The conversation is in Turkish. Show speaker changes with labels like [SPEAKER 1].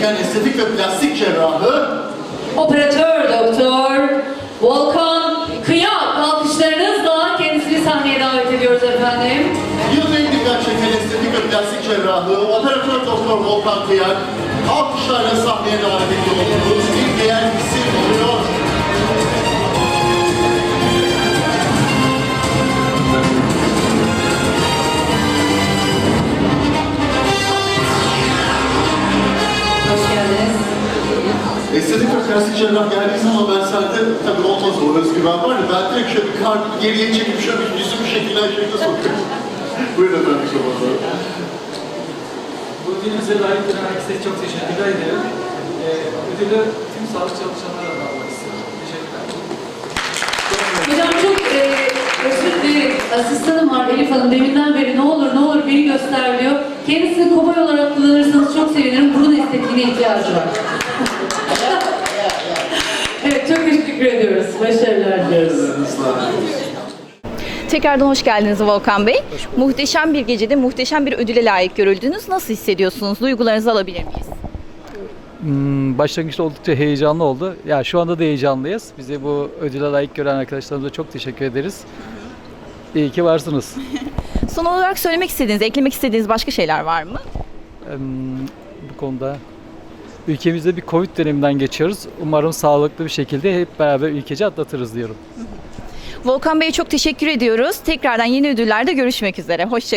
[SPEAKER 1] gerçeken estetik ve plastik cerrahı,
[SPEAKER 2] Operatör Doktor Volkan Kıyak, alkışlarınızla kendisini sahneye davet ediyoruz efendim.
[SPEAKER 1] yılın en dikkat çeken estetik ve plastik cerrahı, Operatör Doktor Volkan Kıyak, alkışlarla sahneye davet ediyoruz. Bir diğer isim oluyor.
[SPEAKER 2] Hoş geldiniz.
[SPEAKER 1] Estetik ve plastik cerrah geldiği zaman ben sende tabii olmaz o özgüven var ya, ben direkt şöyle bir kalbi geriye çekip şöyle bir yüzümü şekillen şekilde sokuyorum. Buyurun efendim şu anda.
[SPEAKER 3] Bu ödülümüze layık gören herkese çok teşekkürler ederim. Ödülü tüm sağlık çalışanlarına da almak istiyorum. Teşekkürler.
[SPEAKER 2] Hocam çok özür dilerim. Asistanım var Elif Hanım. Deminden beri ne olur beni göster diyor. Kendisini kobay olarak kullanırsanız çok sevinirim. Burun estetiğine ihtiyacı var. Evet, çok teşekkür ediyoruz. Başarılar diliyoruz.
[SPEAKER 4] Tekrardan hoş geldiniz Volkan Bey. Muhteşem bir gecede muhteşem bir ödüle layık görüldünüz. Nasıl hissediyorsunuz? Duygularınızı alabilir miyiz?
[SPEAKER 5] Başlangıçta oldukça heyecanlı oldu. Ya şu anda da heyecanlıyız. Bizi bu ödüle layık gören arkadaşlarımıza çok teşekkür ederiz. İyi ki varsınız.
[SPEAKER 4] Son olarak söylemek istediğiniz, eklemek istediğiniz başka şeyler var mı?
[SPEAKER 5] Bu konuda ülkemizde bir Covid döneminden geçiyoruz. Umarım sağlıklı bir şekilde hep beraber ülkece atlatırız diyorum.
[SPEAKER 4] Volkan Bey'e çok teşekkür ediyoruz. Tekrardan yeni ödüllerde görüşmek üzere. Hoşça